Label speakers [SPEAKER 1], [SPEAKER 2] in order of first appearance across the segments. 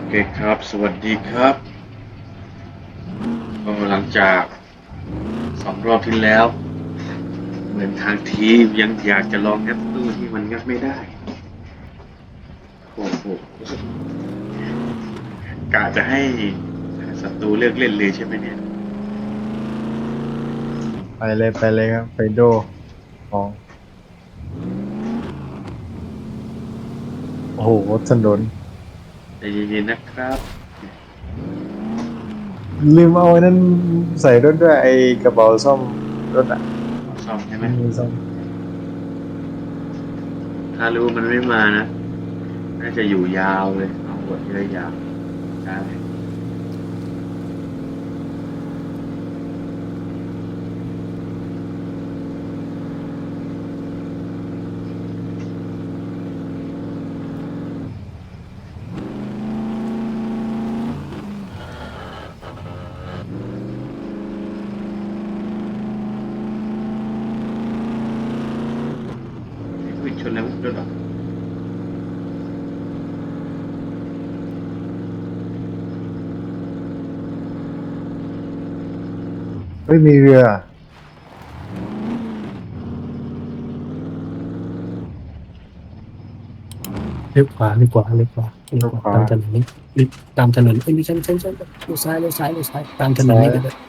[SPEAKER 1] เคครับ สวัสดีครับก็หลังจาก2 รอบที่แล้วเหมือนทางทีมยังอยากจะลองงัดตู้ที่มันงัดไม่ได้โอ้โหกะจะให้ศัตรูเลือกเล่นเลยใช่ไหมเนี่ย
[SPEAKER 2] ไปเลยไปเลยครับไปโดของโอ้โหถนน
[SPEAKER 1] ใจเย็นๆนะครับ
[SPEAKER 2] ลืมเอาไอ้นั้นใส่รถด้วยไอ้กระเป๋าซ่อมรถอ่ะ
[SPEAKER 1] ขอซ่อมใช่ไหม
[SPEAKER 2] มันมีซ่อม
[SPEAKER 1] ถ้ารู้มันไม่มานะน่าจะอยู่ยาวเลยเอาหมดเลยยาวได้วิ่งชนแล้วด้วยหรอ
[SPEAKER 2] เฮ้ยมีเรือ
[SPEAKER 3] เลี้ยวขวา
[SPEAKER 2] ขวา
[SPEAKER 3] ตามถนนนี้รีบตามถนนเอ้ยไม่ใช่เลี้ยวซ้ายตามถนน
[SPEAKER 2] ซ้าย
[SPEAKER 3] นี้กันเลย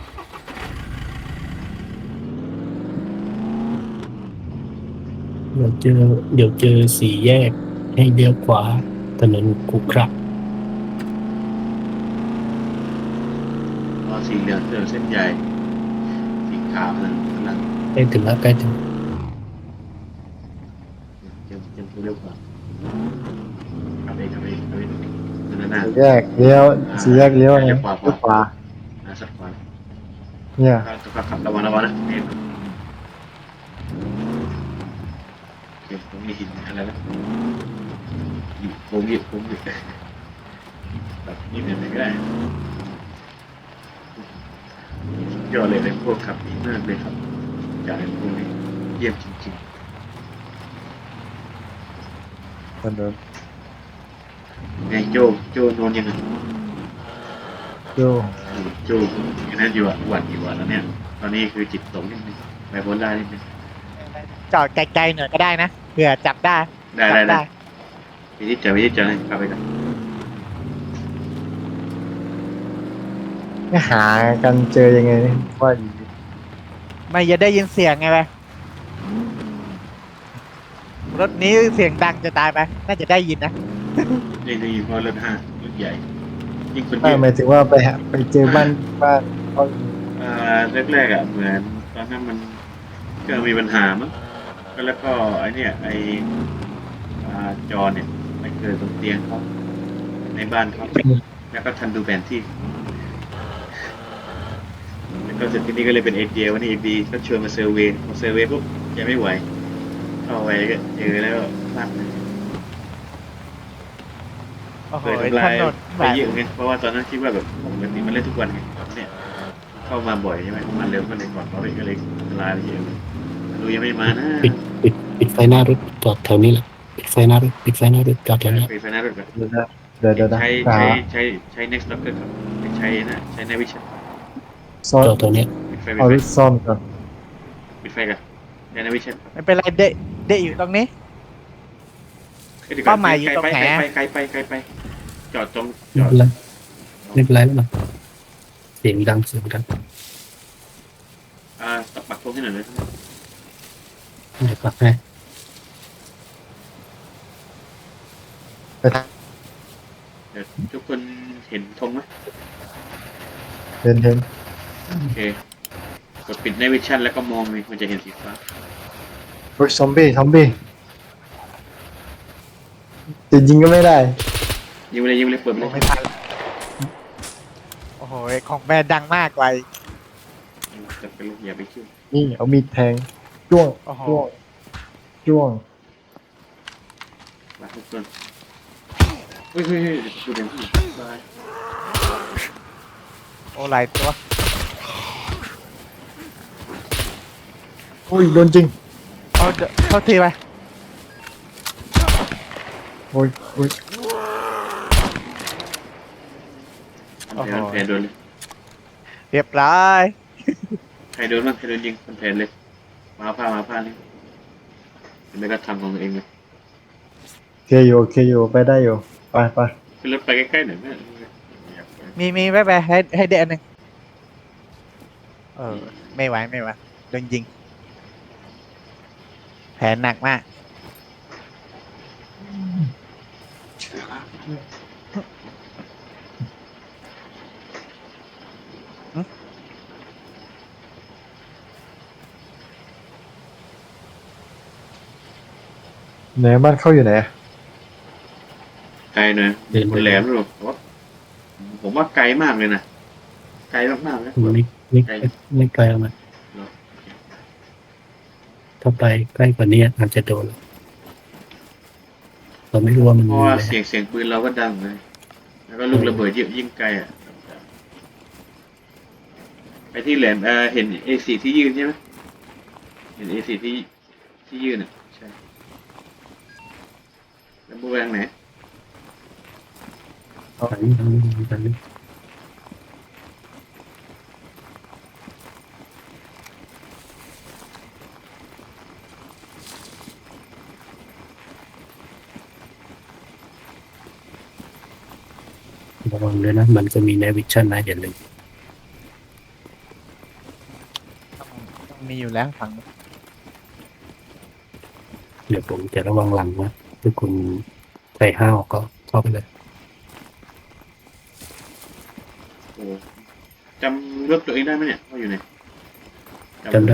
[SPEAKER 3] เดี๋ยวเจอเดี๋ยวเจอสี่แยกให้เลี้ยวขวาถนนขรุขระ
[SPEAKER 1] พอสีเหลืองเส้นใหญ่สีขาวกำลัง
[SPEAKER 3] ใกล้ถึงแล้วใกล้ถึง
[SPEAKER 1] เตรียมตัวเร็วกว่าขับเองนั่นน่ะ
[SPEAKER 2] สี่แยกเลี้ยวสี่แยกเลี้ยวไง
[SPEAKER 1] เลี้ยวขวา
[SPEAKER 2] เลี้ยวขวา
[SPEAKER 1] สักขวา
[SPEAKER 2] เนี่ย
[SPEAKER 1] ขับระวังนะเห็นโอเคผมมีหินอะไรนะหยิบผมหยิบแบบนี้เป็นไปไม่ได้สุดยอดเลยพวกขับดีมากเลยครับจากไอ้พวกนี้เยี่ยมจริง
[SPEAKER 2] ถนน
[SPEAKER 1] ๆไงโจนอนยังไง
[SPEAKER 2] โย
[SPEAKER 1] โจอย่างนั้นอยู่หวัดอยู่แล้วเนี่ยตอนนี้คือจิตตกนิดนึงไบโพล่านิดนึง
[SPEAKER 4] จอดไกลๆหน่อยก็ได้นะเผื่อจับได้
[SPEAKER 1] ได้
[SPEAKER 4] จับได้
[SPEAKER 1] วิธีเจอเลยขับไปกัน
[SPEAKER 2] ไม่หากันเจอยังไงเนี่ยว่าอยู่
[SPEAKER 4] ไม่จะได้ยินเสียงไงไปรถนี้เสียงดังจะตายไปน่าจะได้ยินนะ
[SPEAKER 1] นี่เพราะรถใหญ่ยิ่งคนเย
[SPEAKER 2] ไม่
[SPEAKER 1] อะ
[SPEAKER 2] หมายถึงว่าไปเจอบ้านเขา
[SPEAKER 1] แรกๆอ่ะเหมือนตอนนั้นมันก็มีปัญหามั้งก็แล้วก็ไอเนี่ยไอจอเนี่ยไปเกิดตรงเตียงเขาในบ้านเขาแล้วก็ทันดูแผนที่แล้วก็เสร็จที่นี่ก็เลยเป็นเอเดียวันนี้เอบีก็ชวนมาเซอร์เวย์พอเซอร์เวย์ปุ๊บยังไม่ไหวเข้าไปก็เจอแล้วพลาดเลย
[SPEAKER 4] โอ้โห
[SPEAKER 1] เคยทำลาย
[SPEAKER 4] ถนน
[SPEAKER 1] ไป
[SPEAKER 4] แบบ
[SPEAKER 1] เยอะไงเพราะว่าตอนนั้นคิดว่าแบบปกติมันเล่นทุกวันไงเนี่ยเข้ามาบ่อยใช่ไหมมาเร็วก็เลยก่อนเขาก็เลยทำลายไปเยอะเลยดูยังไม่มานะ
[SPEAKER 3] ปิดไฟหน้ารถจอดแถวนี้แหละปิดไฟหน้ารถจอดแถวนี้
[SPEAKER 1] ไปไฟหน้ารถก่อน
[SPEAKER 2] เดี๋ยวนะเดี๋ยวนะ
[SPEAKER 1] ใช้
[SPEAKER 2] หา
[SPEAKER 1] ใช้ next locker ครับไม่ใช้นะใช้ night vision
[SPEAKER 2] ซ่อน
[SPEAKER 3] จอดแถวนี้
[SPEAKER 2] เอารถซ่อมก่อน
[SPEAKER 1] ปิดไฟกันใช้ night vision
[SPEAKER 4] ไม่เป็นไรเดะอยู่ตรงนี้เป้าหมายอยู่ตรงไหนอะ
[SPEAKER 1] ไกลไปจอดตรงจอด
[SPEAKER 3] ไม่เป็นไรไม่เป็นไรแล้วมันเสียงดัง
[SPEAKER 1] ปักธงให้หน่อยนะ
[SPEAKER 3] เดี๋ยวปรับให้
[SPEAKER 2] ไปทาง
[SPEAKER 1] เดี๋ยวทุกคนเห็นธงไหม
[SPEAKER 2] เห็น
[SPEAKER 1] โอเคกดปิด night vision แล้วก็มองเลยมันจะเห็นสีฟ้า
[SPEAKER 2] เฮ้ยซอมบี้จะยิงก็ไม่ได้
[SPEAKER 1] ยิงเลยเปิดเล
[SPEAKER 4] โอ้
[SPEAKER 1] ย
[SPEAKER 4] ไม่ทันโอ้โหของแบรนด์ดังมากไว
[SPEAKER 1] จะเป็นลูกอย่าไปคิ้ว
[SPEAKER 2] นี่เอามีดแทงจ้วง
[SPEAKER 4] โอ้โห
[SPEAKER 2] จ้วง
[SPEAKER 1] มาทุกคนเฮ้ยดูเด่นที่บาย
[SPEAKER 4] โอ้หลายตัว
[SPEAKER 2] โอ้ยโดนจริง
[SPEAKER 4] เอาเดี๋ยวเข้าทีไป
[SPEAKER 2] โอ้ย
[SPEAKER 1] แผนมันแผนโดนเลย
[SPEAKER 4] เรียบร้อย
[SPEAKER 1] ใครโดนบ้างใครโดนยิงมันแผนเลยมาผ้านี่ไม่ก็ทำของตัวเองเลย
[SPEAKER 2] โอเคอยู่ไปได้อยู่ไป
[SPEAKER 1] ขึ้นรถไปใกล้ๆหน่อยไหม
[SPEAKER 4] มีไปให้เดนหนึ่งไม่ไหวโดนยิงแผลหนักมาก
[SPEAKER 2] ไหนบ้านเข้าอยู่ไหน
[SPEAKER 1] ไกลหน่อย
[SPEAKER 3] เดิน
[SPEAKER 1] บ
[SPEAKER 3] ไป
[SPEAKER 1] นแหลมหรอกผมว่าไกลมากเลยนะไกลมากๆเลย
[SPEAKER 3] ไม่ไกลออกมาถ้าไปใกล้กว่านี้อาจจะโดนเราไม่รู้ว่ามัน
[SPEAKER 1] เพ
[SPEAKER 3] มี
[SPEAKER 1] ราะว่า
[SPEAKER 3] อะไร
[SPEAKER 1] เสียงปืนเราก็ดังเลยแล้วก็ลูกระเบิดเยอะยิ่งไกลอ่ะไปที่แหลมเห็น A4 ที่ยืนใช่ไหมเห็น A4 ที่ยืนอ่ะใช่แล้วบูแวงไหน
[SPEAKER 3] อันนี้ระวังด้วยนะมันก็มีในวิชั่นนะอย่าลืม
[SPEAKER 4] ต้องมีอยู่แล้วฝั่งนู้น
[SPEAKER 3] เดี๋ยวผมจะระวังหลังนะถ้าคุณใส่ห้าวก็เข้าไปเลย
[SPEAKER 1] โอ้จำรถตัวเองได้ไหมเนี่ยว่าอยู่ไหน
[SPEAKER 3] จำได้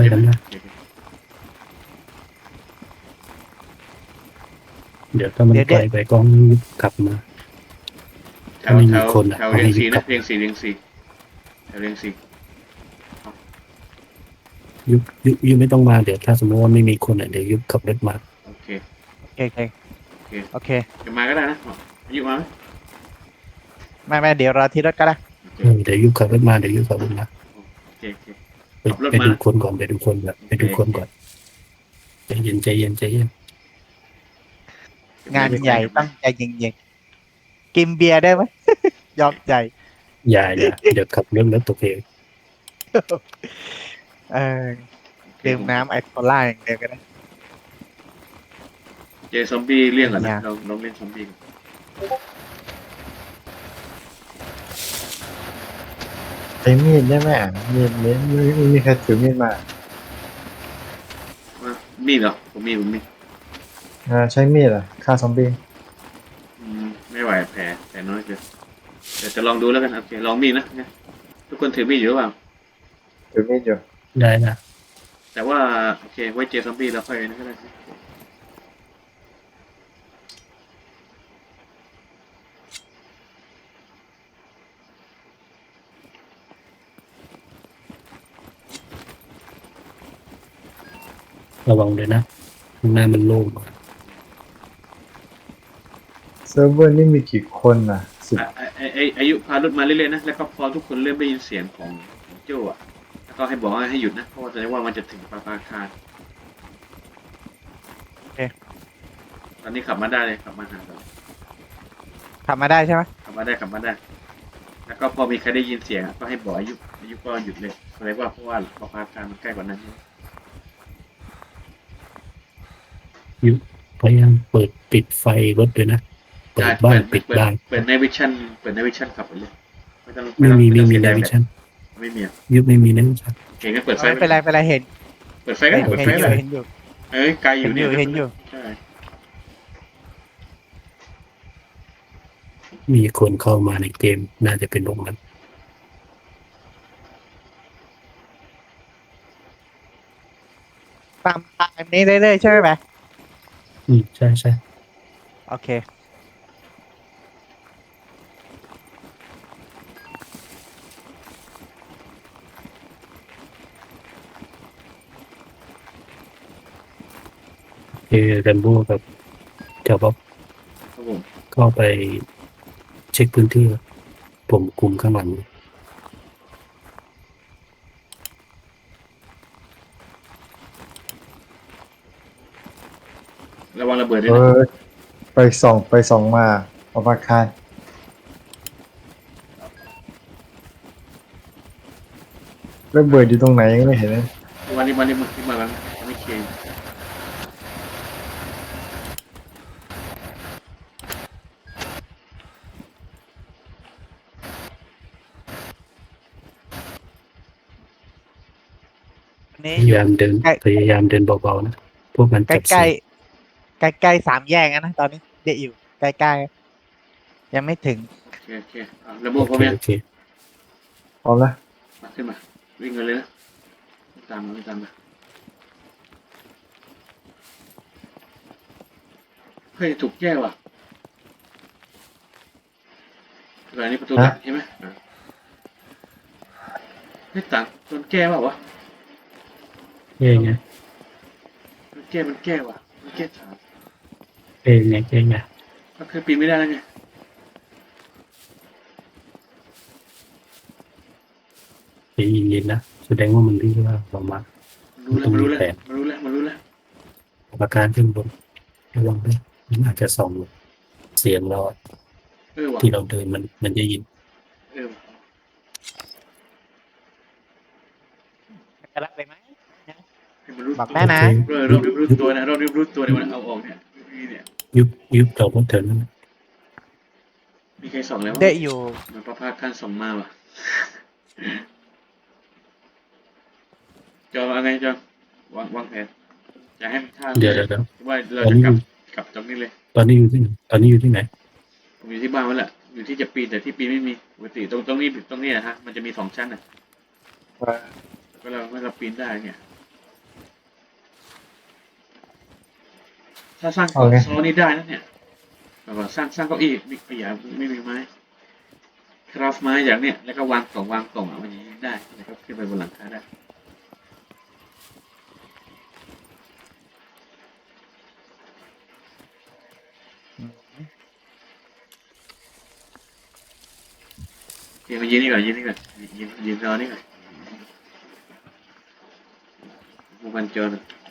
[SPEAKER 3] เดี๋ยวถ้ามันไกลไปก็กลับมา
[SPEAKER 1] แถว
[SPEAKER 3] ไม่มีคนอะ
[SPEAKER 1] แถวเรียงสี่
[SPEAKER 3] เอาให้
[SPEAKER 1] นะเรียงสี่แถวเรียงสี่
[SPEAKER 3] ยุบไม่ต้องมาเดี๋ยวถ้าสมมติว่าไม่มีคนเดี๋ยวยุบขับรถมา
[SPEAKER 1] โอเค
[SPEAKER 4] โอเค
[SPEAKER 1] จะมาก็ได้นะอายุมาไหม
[SPEAKER 4] ไม่เดี๋ยวรอที่รถก็ได้
[SPEAKER 1] โอเค
[SPEAKER 3] เดี๋ยวยุบขับรถมาเดี๋ยวยุบขับรถมา
[SPEAKER 1] โอเค
[SPEAKER 3] ไปดูคนก่อนไปดูคนแบบไปดูคนก่อนใจเย็น
[SPEAKER 4] งานใหญ่ต้องใจเย็นๆกินเบียร์ได้ไหม ยอมใจ
[SPEAKER 3] อย่าเดี๋ยวขับรถแล้วตกเหว
[SPEAKER 4] ดื่มน้ำไอโคล่าอย่างเดียวก็ได้
[SPEAKER 1] เจอซอมบี้เลี่ยงก่อน
[SPEAKER 4] อ
[SPEAKER 1] นะ
[SPEAKER 4] ย่า
[SPEAKER 1] ลองเล่นซอมบี้ก่อน
[SPEAKER 2] ใช้มีดได้ไหมมีดไม่มีใครถือมีดมา
[SPEAKER 1] มีเหรอผมมี
[SPEAKER 2] ใช้มีดฆ่าซอมบี้
[SPEAKER 1] ไม่ไหวแผลน้อยเกินเดี๋ยวจะลองดูแล้วกันโอเคลองมีดนะทุกคนถือมีดอยู่หรือเปล่า
[SPEAKER 2] ถือมีดอยู่
[SPEAKER 3] ได้นะ
[SPEAKER 1] แต่ว่าโอเคไว้เจอซอมบี้แล้วค่อยนั่นก็ได้
[SPEAKER 3] ระวังเลยนะข้างหน้ามันโล่ง
[SPEAKER 2] เซิร์ฟเวอร์นี่มีกี่คน10
[SPEAKER 1] อายุพารถมาเรื่อยๆนะแล้วก็พอทุกคนเริ่มได้ยินเสียงของโจ้อะแล้วก็ให้บอกให้หยุดนะเพราะว่าแสดงว่ามันจะถึงปาคารตอนนี้ขับมาได้เลยขับมาหาเรา
[SPEAKER 4] ทำมาได้ใช่ไหม
[SPEAKER 1] ขับมาได้แล้วก็พอมีใครได้ยินเสียงก็ให้บอกอายุก็หยุดเลยแสดงว่าเพราะว่าปาคารมันใกล้กว่านั้น
[SPEAKER 3] พยายามเปิดปิดไฟรถด้วยนะเปิดบ้านปิดบ้าน
[SPEAKER 1] เปิดในวิชั่นขับไปเลยไม่
[SPEAKER 3] ไม่มี
[SPEAKER 1] เสีย
[SPEAKER 3] ใน
[SPEAKER 1] ดาย
[SPEAKER 3] วิชั่น
[SPEAKER 1] ไม่มี
[SPEAKER 3] ยุบไม่มีในวิชั่น
[SPEAKER 1] เก่งก็เปิดไฟ
[SPEAKER 4] ไม่เป็นไรเห็น
[SPEAKER 1] เปิดไฟก็ได้เปิดไฟเลย
[SPEAKER 4] เห็นอยู่
[SPEAKER 1] ไกลอยู่เนี่ย
[SPEAKER 4] เห็นอยู่
[SPEAKER 1] ใช่
[SPEAKER 3] มีคนเข้ามาในเกมน่าจะเป็นองค์นั้น
[SPEAKER 4] ตามทางนี้เรื่อยๆใช่ไหม
[SPEAKER 3] ใช่
[SPEAKER 4] โอเค
[SPEAKER 3] แรมโบ้กับเจ้าบ๊อบ
[SPEAKER 1] ครับผม
[SPEAKER 3] ก็ไปเช็คพื้นที่ผมคุมข้างหลัง
[SPEAKER 1] ระวังระเบิดด้วยนะ
[SPEAKER 2] ไปส่องมาประภาคารระเบิดอยู่ตรงไหนยังไม่เห็นเลย
[SPEAKER 1] วันนี้มันขึ้นมาแล้วนะไม่เคย
[SPEAKER 4] อันนี้
[SPEAKER 3] พ
[SPEAKER 4] อย
[SPEAKER 3] า
[SPEAKER 4] ยู่
[SPEAKER 3] ยามเดิน
[SPEAKER 4] ใกล้
[SPEAKER 3] พยายามเดินเบาๆนะพวกมัน
[SPEAKER 4] ใก
[SPEAKER 3] จั
[SPEAKER 4] ล้
[SPEAKER 3] บ
[SPEAKER 4] ใกล้
[SPEAKER 3] เสียง
[SPEAKER 4] ใกล้ๆสามแยกนะตอนนี้เดะอยู่ใกล้ๆยังไม่ถึง
[SPEAKER 1] โอเคระบบ
[SPEAKER 3] โอ
[SPEAKER 1] พร้อ
[SPEAKER 3] เค
[SPEAKER 1] มยัง
[SPEAKER 3] โอเค
[SPEAKER 2] พร้อมนะ
[SPEAKER 1] มาขึ้นมาวิ่งกันเลยนะตามมาเฮ้ยถูกแยกว่ะอันนี้ประตูหลักใช่ไหมไม่ต่างโดนแก้ว่ะ
[SPEAKER 3] เอ้ยไง
[SPEAKER 1] มันแก้ว่ะมันแก้ถาม
[SPEAKER 3] เอ้ยไงเอ้ยไง
[SPEAKER 1] ก็คือปีนไม่ได้แล้วไง
[SPEAKER 3] ใจเย็นๆนะแสดงว่ามันรู้ว่าเรามา
[SPEAKER 1] มันรู้แล้ว
[SPEAKER 3] ประการขึ้นบนระวังด้วยมันอาจจะส่องเสียงเรา
[SPEAKER 1] ว่ะ
[SPEAKER 3] ที่เราเดินมันจะยิน
[SPEAKER 1] ว่ะ
[SPEAKER 4] จะรับเลยไหม
[SPEAKER 1] ให้มันรู้
[SPEAKER 4] บอก
[SPEAKER 1] ตัว
[SPEAKER 4] ได้นะ
[SPEAKER 1] รอบรู้ตัวนะรอบรู้ตัวเนี่ยมันเอาออกเนี่ยเนี่ย
[SPEAKER 3] ยุบเราก็เถินนั่น
[SPEAKER 1] มีใครส่องแล้ว
[SPEAKER 4] เดะอยู่
[SPEAKER 1] มันพระภาคขั้นส่องมาว่ะจอว่าไงจอวางแผนจะให้มันท่า
[SPEAKER 3] เดี๋ยว
[SPEAKER 1] ว่าเราจะกลับตรงนี้เลย
[SPEAKER 3] ตอนนี้อยู่ที่ไหน
[SPEAKER 1] ผมอยู่ที่บ้านมันแหละอยู่ที่จะปีนแต่ที่ปีนไม่มีปกติตรงนี้นะฮะมันจะมี2 ชั้นนะก็เราปีนได้เนี่ยถ้าสร้างโซนนี้ได้นะเนี่ยแบบว่าสร้างเก้าอี้ไม่มีไม้คราฟไม้อย่างเนี้ยแล้วก็วางกล่องมันอย่างนี้ได้แล้วก็ขึ้นไปบนหลังคาได้เดี๋ยวมายืนนี่ก่อนยืนรอนี่ก่อนมูบันจอ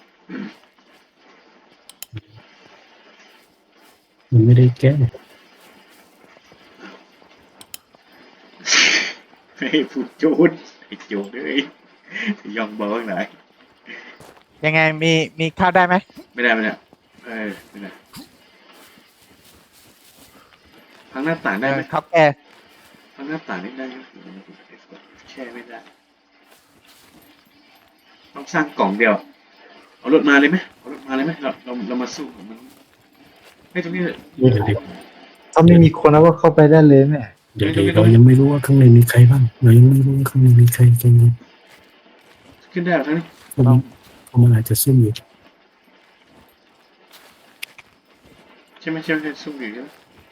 [SPEAKER 3] มันไม่ได้แก้
[SPEAKER 1] ให้พูดโจดไอ้โจดเลยยองบอกไหน
[SPEAKER 4] ยังไงมีเข้าได้ไหม
[SPEAKER 1] ไม่ได้ไม่ได้พังหน้าต่างได้ไหม
[SPEAKER 4] เขาแก้
[SPEAKER 1] พังหน้าต่างได้ไหมแช่ไม่ได้ต้องสร้างกล่องเดียวเอารถมาเลยไหมเรามาสู้มันให้ตรงนี้เลย
[SPEAKER 3] เดี๋ยว
[SPEAKER 2] ถ้าไม่มีคนแล้วก็เข้าไปได้เลยแม่
[SPEAKER 3] เรายังไม่รู้ว่าข้างในมีใครบ้างเรายังไม่รู้ว่าข้างในมีใครกัน
[SPEAKER 1] ขึ้นได้หรอทั้งนี้
[SPEAKER 3] เพราะมันอาจจะซุ่มอยู่
[SPEAKER 1] ใช่ไหมสู้อยู่ใช่ไหม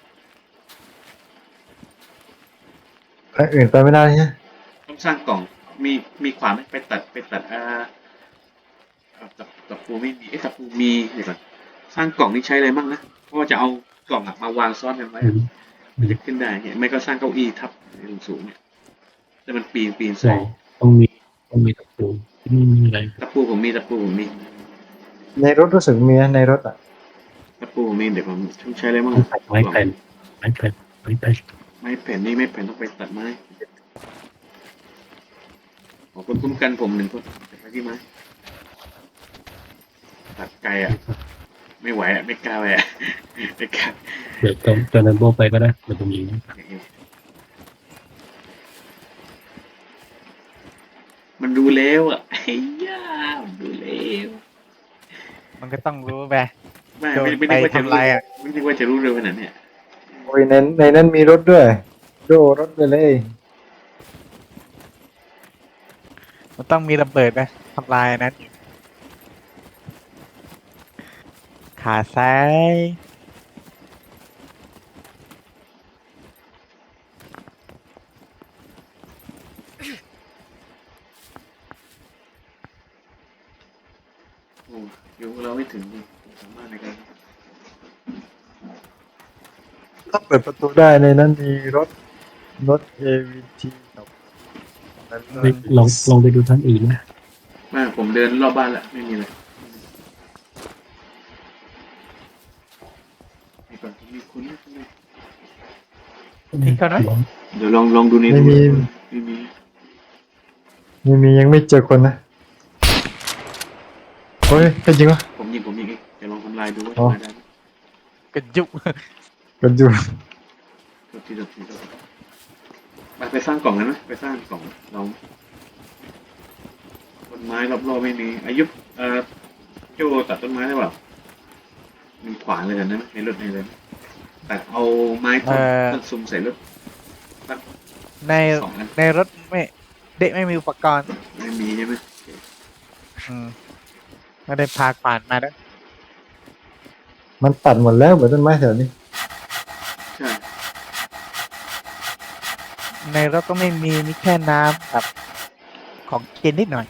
[SPEAKER 2] ทางอื่นไปไม่ได้ใช่ไหม
[SPEAKER 1] ต้องสร้างกล่องมีขวานไหมไปตัดตะปูไม่มีตะปูมีเดี๋ยวก่อนสร้างกล่องนี่ใช้อะไรบ้างนะเพราะว่าจะเอากล่องมาวางซ้อนกันไว้มันจะขึ้นได้เนี่ยไม่ก็สร้างเก้าอี้ทับสูงเนี่ยแต่มันปีน
[SPEAKER 3] ใช่ต้องมีตะปูไม่มีอะไร
[SPEAKER 1] ตะปูผมมี
[SPEAKER 2] ในรถรู้สึกมีนะในรถอ่ะ
[SPEAKER 1] ตะปูผมมีเดี๋ยวผมใช้อะไรบ้าง
[SPEAKER 3] ไม้แผ่น
[SPEAKER 1] ไม้แผ่นนี่ไม่แผ่นต้องไปตัดไม้ขอคนคุ้มกันผม1 คนไปที่ไม้ตัดไกลอ่ะไม่ไหวอ่ะไม่กล้าไปอ่ะไม่กล้า
[SPEAKER 3] เดี๋ยวตอนนั้นโบไปก็ได้เดี๋ยวผมยิง
[SPEAKER 1] มันดูแล้วอ่ะไอ้ย่ามันดูแล้ว
[SPEAKER 4] มันก็ต้องรู้ไป
[SPEAKER 1] ไม่ได้ว่าจะรู้ไม่ได้ว่าจะรู้เร็วขนาดเนี้ย
[SPEAKER 2] โอ้ยในนั้นมีรถด้วยโดรถไปเลย
[SPEAKER 4] มันต้องมีระเบิดไปทำลายนั้นขาซ้าย
[SPEAKER 1] โอ้ยุเราไม่ถึงสามารถในการ
[SPEAKER 2] ถ้าเปิดประตูได้ในนั้นมีรถ AVT กับนั้นด้วย
[SPEAKER 3] ลองไปดูท่านอื่นนะ
[SPEAKER 1] ไม่ผมเดินรอบบ้านละไม่มีเลยมีก่อนมีคุณ
[SPEAKER 4] มีเขาไหม
[SPEAKER 1] เดี๋ยวลองดูใน
[SPEAKER 2] ไม่มี
[SPEAKER 1] ไม่มี
[SPEAKER 2] มียังไม่เจอคนนะเฮ้ยเป็นจริงวะ
[SPEAKER 1] ผมยิงเองจะลองทำลายดูว่า
[SPEAKER 2] อ๋อ
[SPEAKER 1] ทำลายได้ไหม
[SPEAKER 4] กระจุก
[SPEAKER 2] กันอยู่
[SPEAKER 1] ตัวทีไปสร้างกล่องกันไหมไปสร้างกล่องลองต้นไม้รอบๆไม่มีอายุโจตัดต้นไม้ได้เปล่ามีขวานเลยกันนะในรถในเลยแต่เอาไม้ต้นซุ่มใส่รถสัก
[SPEAKER 4] ใน
[SPEAKER 1] 2 อัน
[SPEAKER 4] ในรถไม่เด็กไม่มีอุปกรณ์
[SPEAKER 1] ไม่มีใช่ไหม
[SPEAKER 4] ไม่ได้พาขวานมาด้วย
[SPEAKER 2] มันตัดหมดแล้วเหมือนต้นไม้แถวนี้
[SPEAKER 1] ใช่
[SPEAKER 4] ในรถก็ไม่มีแค่น้ำกับของกินนิดหน่อย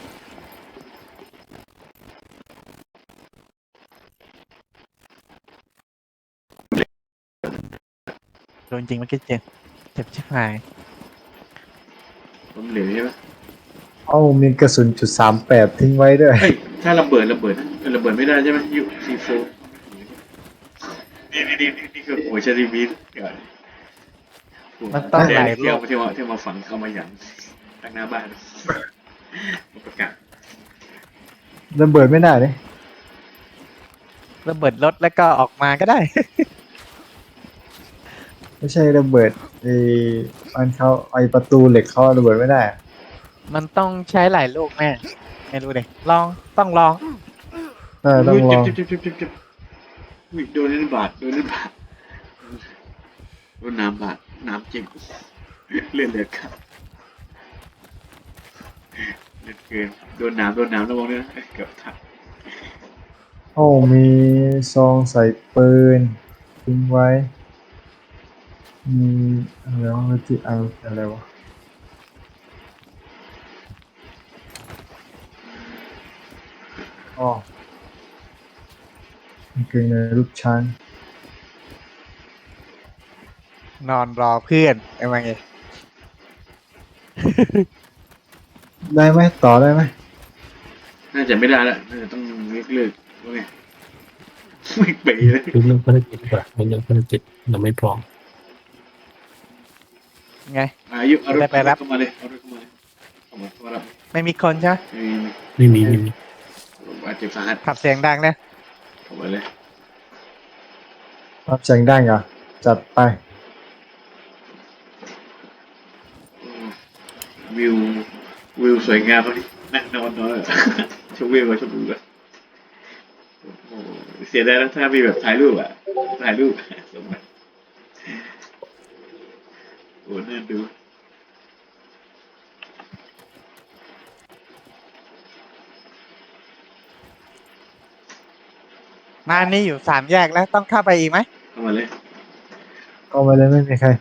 [SPEAKER 4] โดนจริงมันก็เจ็บชิบหาย
[SPEAKER 1] ผมเหลวใช่ไหม
[SPEAKER 2] เอ้ามีกระสุน.38ทิ้งไว้ด้วย
[SPEAKER 1] เฮ้ยถ้าระเบิดระเบิดไม่ได้ใช่ไหมยูซีโฟนี่คือโอ้ยชาลีบีน
[SPEAKER 4] มันต้องหลายโล
[SPEAKER 1] เที่ยวมาฝังเข้ามาอย่างตั้งหน้าบ้านประกาศ
[SPEAKER 2] ระเบิดไม่ได้เลย
[SPEAKER 4] ระเบิดรถแล้วก็ออกมาก็ได้
[SPEAKER 2] ไม่ใช่ระเบิดมันเขาไอประตูเหล็กเขาระเบิดไม่ได้
[SPEAKER 4] มันต้องใช้หลายลูกแม่ไม่รู้เลยต้องลอง
[SPEAKER 2] ต้องลอง
[SPEAKER 1] เจ็บอุ้ยโดนนั่นบาดโดนน้ำบาดน้ำเจ็บเลือดครับเลือดเกินโดนน้ำระวังด้วยนะเกือบทับ
[SPEAKER 2] โอ้มีซองใส่ปืนทิ้งไว้ มีอะไรวะที่อะไรวะอ๋อกางเกงในรูปช้าง
[SPEAKER 4] นอนรอเพื่อนไอ้มาไง
[SPEAKER 2] ได้ไหมต่อได้ไหม
[SPEAKER 1] น่าจะไม่ได้ละน่าจะต้องเลิกว่าไงไม่ไปเลย
[SPEAKER 3] ดูเรื่องภารกิจดีกว่าเรื่องภารกิจเราไม่พร้อม
[SPEAKER 4] ไง
[SPEAKER 1] อายุเอารถเข้ามาเลยเข้ามารับ
[SPEAKER 4] ไม่มีคนใช่ไหม
[SPEAKER 3] ไม่มี
[SPEAKER 1] บาดเจ็บสาหัส
[SPEAKER 4] ขับเสียงดังนะ
[SPEAKER 1] เข้ามาเลย
[SPEAKER 2] รับแสงได้เหรอจัดไป
[SPEAKER 1] วิวสวยงามเลยนั่งนอนชมวิวชมวิวเสียดายแล้วถ้ามีแบบถ่ายรูปสมบัติโอ้น่าดู
[SPEAKER 4] มานี่อยู่3 แยกแล้วต้องเข้าไปอีกไหม
[SPEAKER 1] เข้ามาเลย
[SPEAKER 2] ก็ไม่ได้ไม่มีใคร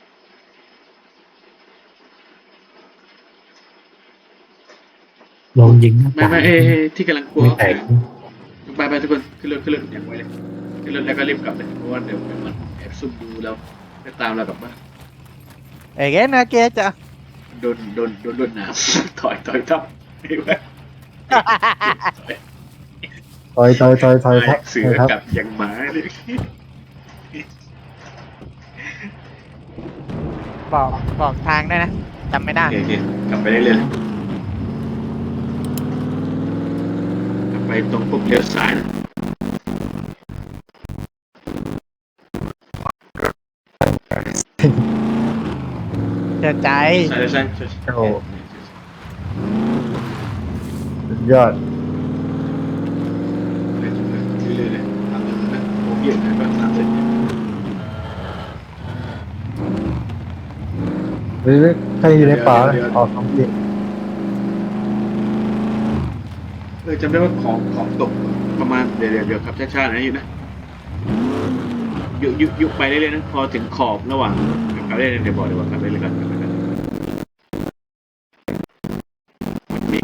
[SPEAKER 3] ลองยิงหน้า
[SPEAKER 1] ไม่
[SPEAKER 3] ต่าง
[SPEAKER 1] ที่กำลังกลัว
[SPEAKER 3] ไม่แตก
[SPEAKER 1] ไปทุกคนขึ้นรถอย่างไวเลยขึ้นรถแล้วก็รีบกลับเลยเพราะว่าเดี๋ยวมันแอบซุ่มดูแล้วจะตามเรากลับบ้าน
[SPEAKER 4] เอ้ยนะเกจะ
[SPEAKER 1] โดนน้ำถอยทับไม่ไหว
[SPEAKER 2] ถอยทับ
[SPEAKER 1] เสือ
[SPEAKER 2] ครับ
[SPEAKER 1] กับอย่างหมาเลย
[SPEAKER 4] บอกทางได้นะจำไม่ได้
[SPEAKER 1] โอเคกลับไปได้เลยกลับไปตรงปุ๊บเลี้ยวซ้ายนะ
[SPEAKER 4] เชื่อใจ
[SPEAKER 1] ซ้าย
[SPEAKER 2] โอ้สุดยอด
[SPEAKER 1] เรื่อยๆเลยทำนะโอ้เยอะนะก็30
[SPEAKER 2] หรือใครอยู่ในป่าออกของพี่
[SPEAKER 1] จำได้ว่าของตกประมาณเดี๋ยวขับช้าๆนะอยู่นะยุไปเรื่อยๆนะพอถึงขอบระหว่างขับได้เดี๋ยวบอกขับได้เลยกันมี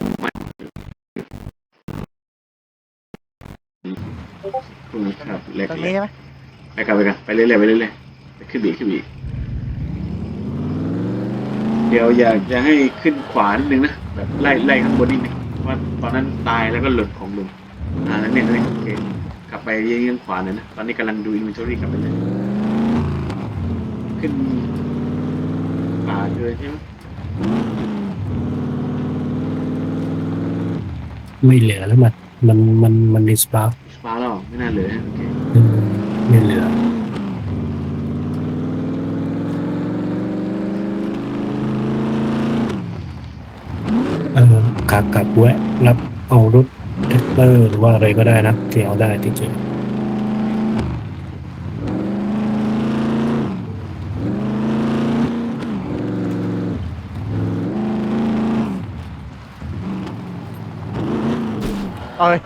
[SPEAKER 1] ครับเล็ก
[SPEAKER 4] ตรงนี้ใช่ไหม
[SPEAKER 1] ไปกันไปเรื่อยไปขึ้นบีเดี๋ยวอยากจะให้ขึ้นขวานิดนึงนะแบบไล่ข้างบนนิดนึงว่าตอนนั้นตายแล้วก็หลุดของลุงแล้วเนี่ยโอเคกลับไปเยี่ยงขวาหน่อยนะตอนนี้กำลังดูอินเวนทอรี่กลับไปเลยขึ้นป่าเกินใช่ไหม
[SPEAKER 3] ไม่เหลือแล้วมันดิสปาร์
[SPEAKER 1] ฟ้าแล้วเหรอไม่น่าเหลือโอเค
[SPEAKER 3] ไม่เหลือขากลับแวะรับเอารถแท็กเตอร์หรือว่าอะไรก็ได้นะที่เอาได้ที่เจอ
[SPEAKER 4] เอ้ย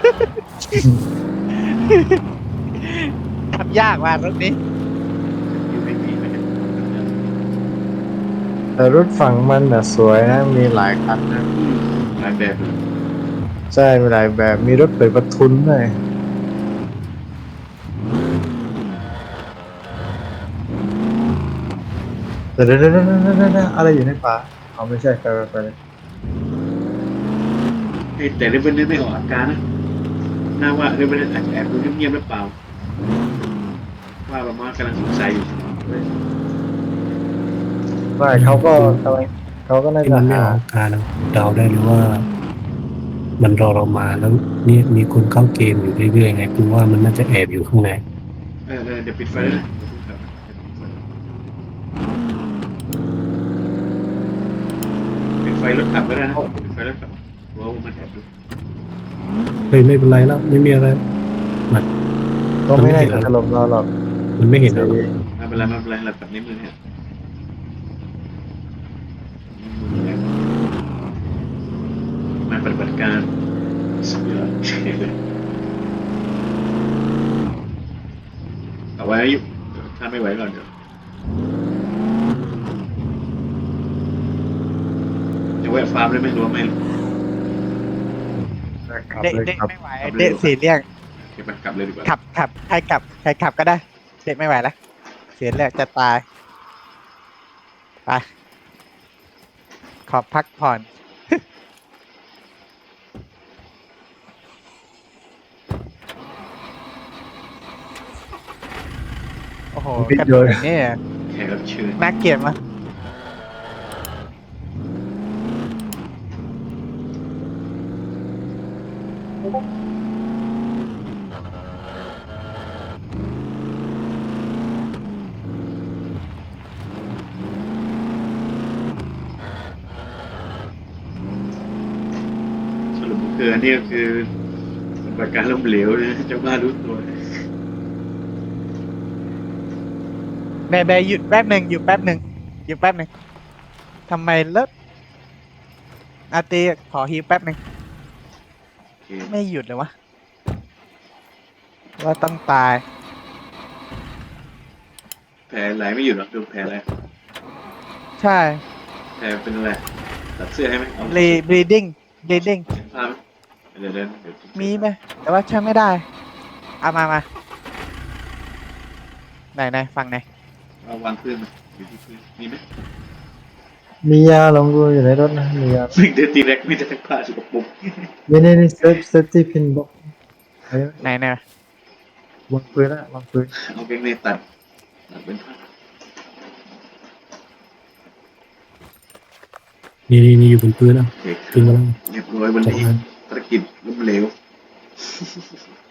[SPEAKER 4] ทำยากว่ารถนี้
[SPEAKER 1] อยู่ไม่มีไม่ได้
[SPEAKER 2] แต่รถฝั่งมันน่ะสวยนะมีหลายคันนะ
[SPEAKER 1] หลายแบบเลย
[SPEAKER 2] ใช่มีหลายแบบมีรถเปิดประทุนด้วยแต่เดี๋ยวอะไรอยู่ในป่าเอาไม่ใช่ไปเลย
[SPEAKER 1] เฮ้ยแต่เรเบิลไม่ออกอาการนะน่าว่าเรเบิลอาจจะแอบดูเงียบๆหรือเปล่าว่าประมาณกำลังสงสัยอยู่
[SPEAKER 2] ไม่เขาก็กำลังเขาก็น่า
[SPEAKER 3] ที่
[SPEAKER 2] จะ
[SPEAKER 3] มันไม่
[SPEAKER 2] หา
[SPEAKER 3] ออกอาการเดาได้เลยว่า มันรอเรามาแล้วนี่มีคนเข้าเกมอยู่เรื่อยๆไงกูว่ามันน่าจะแอบอยู่ข้างใน
[SPEAKER 1] เดี๋ยวปิดไฟเลยนะปิดไฟรถขับก็ได้นะปิดไฟรถขับว่ามันแอบดู
[SPEAKER 3] เฮ้ยไม่เป็นไรแล้วไม่มีอะไร
[SPEAKER 2] ก็ไม่ได้จะถล่มเราหรอก
[SPEAKER 3] มันไม่เห็นเราหรอก
[SPEAKER 1] ไม่เป็นไรไม่เป็นไรเราแบบนี้มือเนี่ยมาปฏิบัติการสุดยอดเอาไว้ถ้าไม่ไหวก่อนเดี๋ยวจะแวะฟาร์มได้ไหมรู้ไหม
[SPEAKER 2] ขับ
[SPEAKER 4] เด็ก
[SPEAKER 2] เลย
[SPEAKER 4] เด็ก
[SPEAKER 2] ขับ
[SPEAKER 4] ไม่ไหวเด็กสีเรียก
[SPEAKER 1] เก็บมันกลับเลยดีกว่า
[SPEAKER 4] ขับใครขับก็ได้ เด็กไม่ไหวแล้วเสียเลือดจะตายไปขอพักผ่อน โอ้โห
[SPEAKER 2] พิด
[SPEAKER 4] กระ
[SPEAKER 2] โย
[SPEAKER 4] โด
[SPEAKER 2] น
[SPEAKER 4] ดนี่
[SPEAKER 1] แขกรับเชิญ
[SPEAKER 4] น่าเกลียดมะ
[SPEAKER 1] สรุปคืออันนี้ก็คือปฏิบัติการล้มเหลวนะเจ้าบ้านรู้ตัว
[SPEAKER 4] แบหยุดแป๊บหนึ่งหยุดแป๊บหนึ่งหยุดแป๊บหนึ่งทำไมเลิศอาตีขอฮิวแป๊บหนึ่ง
[SPEAKER 1] โอเค
[SPEAKER 4] ไม่หยุดเลยวะว่าต้องตาย
[SPEAKER 1] แผลไหลไม่หยุดหรอกดูแผลอะไร
[SPEAKER 4] ใช่
[SPEAKER 1] แผลเป็นอะไรตัดเสื้อให้ไหมเอา
[SPEAKER 4] bleeding bleeding
[SPEAKER 1] เห็นภาพไหมเดี๋ยว
[SPEAKER 4] มีไหมแต่ว่าใช้ไม่ได้เอามาไหนฟังไหน
[SPEAKER 1] เอาวางพื้นมาอยู่ที่พื้นมีไหม
[SPEAKER 2] มียาลองดูอยู่ในรถนะมียา
[SPEAKER 1] สิ่งเดินตีแรกมีแต่ผ้าสกปรก
[SPEAKER 2] นี่เซฟตี้พินบอก
[SPEAKER 4] ไหน
[SPEAKER 2] วางปืนนะวางปืน
[SPEAKER 1] เอาเกงในตัดเป็นผ้า
[SPEAKER 3] นี่อยู่บนพื้นนะ
[SPEAKER 1] โอเค
[SPEAKER 3] ขึ้นมาแล้ว
[SPEAKER 1] เรียบร้อยวันนี้ภารกิจล้มเหลว